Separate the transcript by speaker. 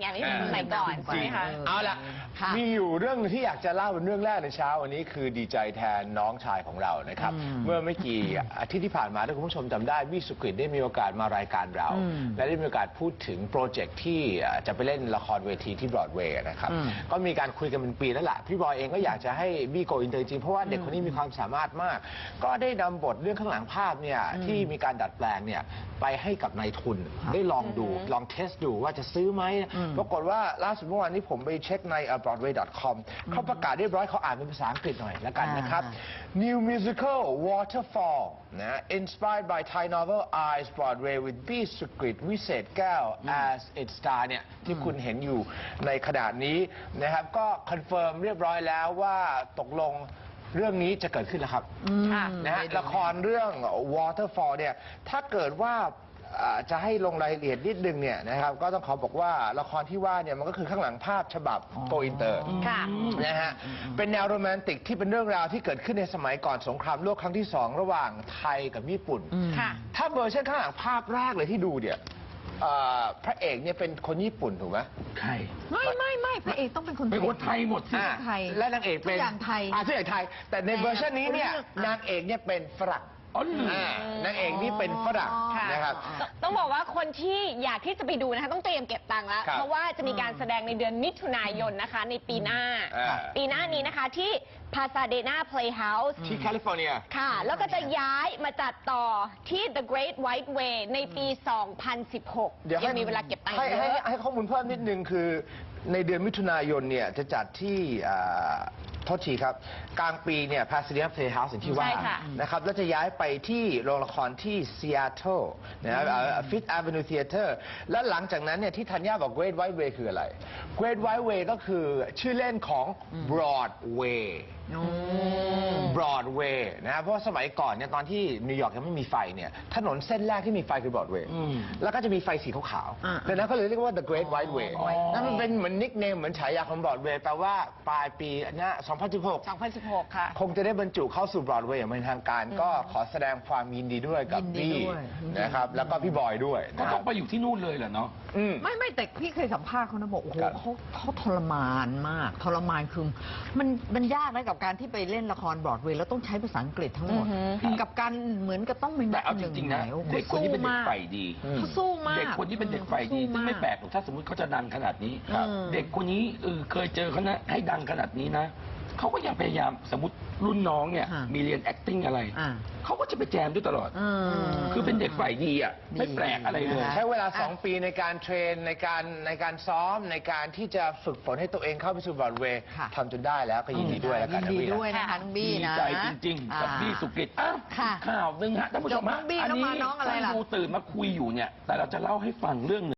Speaker 1: ไงไม่เหมือนสมัยก่อนใช่ไหมคะ
Speaker 2: เอาล่ะมีอยู่เรื่องที่อยากจะเล่าเป็นเรื่องแรกในเช้าวันนี้คือดีใจแทนน้องชายของเรานะครับเมื่อไม่กี่อาทิตย์ที่ผ่านมาถ้าคุณผู้ชมจำได้บี้สุกฤตได้มีโอกาสมารายการเราและได้มีโอกาสพูดถึงโปรเจกต์ที่จะไปเล่นละครเวทีที่บรอดเวย์นะครับก็มีการคุยกันเป็นปีแล้วล่ะพี่บอยเองก็อยากจะให้บี้โกอินเตอร์จริงเพราะว่าเด็กคนนี้มีความสามารถมากก็ได้นำบทเรื่องข้างหลังภาพเนี่ยที่มีการดัดแปลงเนี่ยไปให้กับนายทุนได้ลองดูลองเทสดูว่าจะซื้อไหมปรากฏว่าล่าสุดเมื่อวานนี้ผมไปเช็คใน broadway.com เขาประกาศเรียบร้อยเขาอ่านเป็นภาษาอังกฤษหน่อยแล้วกันนะครับ New musical Waterfall นะ inspired by Thai novel Eyes Broadway with B สุกฤตวิเศษแก้ว as its star เนี่ยที่คุณเห็นอยู่ในขณะนี้นะครับก็คอนเฟิร์มเรียบร้อยแล้วว่าตกลงเรื่องนี้จะเกิดขึ้นแล้วครับนะฮะละครเรื่อง Waterfall เนี่ยถ้าเกิดว่าจะให้ลงรายละเอียดนิดนึงเนี่ยนะครับก็ต้องขอบอกว่าละครที่ว่าเนี่ยมันก็คือข้างหลังภาพฉบับโกอินเตอร์นะฮะเป็นแนวโรแมนติกที่เป็นเรื่องราวที่เกิดขึ้นในสมัยก่อนสงครามโลกครั้งที่2ระหว่างไทยกับญี่ปุ่นถ้าเวอร์ชันข้างหลังภาพแรกเลยที่ดูเนี่ยพระเอกเนี่ยเป็นคนญี่ปุ่นถูกไหม
Speaker 3: ใคร
Speaker 4: ไม่พระเอกต้องเป็นคนไทย
Speaker 3: เป็นคนไทยหมดสิ
Speaker 4: ไทย
Speaker 2: และนางเอกเป็น
Speaker 4: ทุกอย่างไทย
Speaker 2: ทุกอย่างไทยแต่ในเวอร์ชันนี้เนี่ยนางเอกเนี่ยเป็นฝรั่งนางเอกนี่เป็นฝรั่งนะครับ
Speaker 1: ต้องบอกว่าคนที่อยากที่จะไปดูนะคะต้องเตรียมเก็บตังค์แล้วเพราะว่าจะมีการแสดงในเดือนมิถุนายนนะคะในปีหน้านี้นะคะที่ Pasadena Playhouse
Speaker 2: ที่แคลิฟอร์เนีย
Speaker 1: ค่ะแล้วก็จะย้ายมาจัดต่อที่ The Great White Way ในปี 2016ยังมีเวลาเก็บตังค์เยอะ
Speaker 2: ให้ข้อมูลเพิ่มนิดนึงคือในเดือนมิถุนายนเนี่ยจะจัดที่โทษทีครับกลางปีเนี่ย Pasadena Playhouse อย่างที่ว่านะครับแล้วจะย้ายไปที่โรงละครที่ Seattle นะครับ Fifth Avenue Theater และหลังจากนั้นเนี่ยที่ธัญญาบอก Great White Way คืออะไร Great White Way ก็คือชื่อเล่นของ Broadway Broadway นะครับเพราะว่าสมัยก่อนเนี่ยตอนที่นิวยอร์กยังไม่มีไฟเนี่ยถนนเส้นแรกที่มีไฟคือ Broadway แล้วก็จะมีไฟสีขาวๆดังนั้นก็เลยเรียกว่า The Great White Way นั่นมันเป็นเหมือนนิกเนมเหมือนฉายาของ Broadway แปลว่าปลายปีนี้2016 ค่ะคงจะได้บรรจุเข้าสู่ Broadway อย่างเป็นทางการก็ขอแสดงความยินดีด้วยกับบี้นะครับแล้วก็พี่บอยด้วย
Speaker 3: ก็ต้องไปอยู่ที่นู่นเลยเหรอเนาะ
Speaker 4: ไม่แต่พี่เคยสัมภาษณ์เขานะบอกโอ้โหเขาทรมานมากทรมานคือมันยากนะกับการที่ไปเล่นละครบรอดเวย์แล้วต้องใช้ภาษาอังกฤษทั้งหมดกับการเหมือนกับต้องเป็น
Speaker 3: แต่เอาจริงๆนะเด็กคนนี้เป็นเด็กใฝ่ดี
Speaker 4: เขาสู้มาก
Speaker 3: เด็กคนนี้เป็นเด็กใฝ่ดีซึ่งไม่แปลกหรอกถ้าสมมติเขาจะดังขนาดนี้เด็กคนนี้เคยเจอเขานะให้ดังขนาดนี้นะเขาก็ยังพยายามสมมติรุ่นน้องเนี่ยมีเรียน acting อะไรเขาก็จะไปแจมด้วยตลอดคือเป็นเด็กฝ่ายดีอ่ะไม่แปลกอะไรเลย
Speaker 2: ใช้เวลา2 ปีในการเทรนในการซ้อมในการที่จะฝึกฝนให้ตัวเองเข้าไปสู่บรอดเวย์ทำจนได้แล้วก็ยินดีด้วยแล้วกัน
Speaker 4: ยินดีด้วยนะคะน้องบี้นะ
Speaker 3: ดีใจจริงๆกับบี้สุกฤตข่าวหนึ่งฮะท่านผู้ชมฮะอันนี้ท่านดูตื่นมาคุยอยู่เนี่ยแต่เราจะเล่าให้ฟังเรื่อง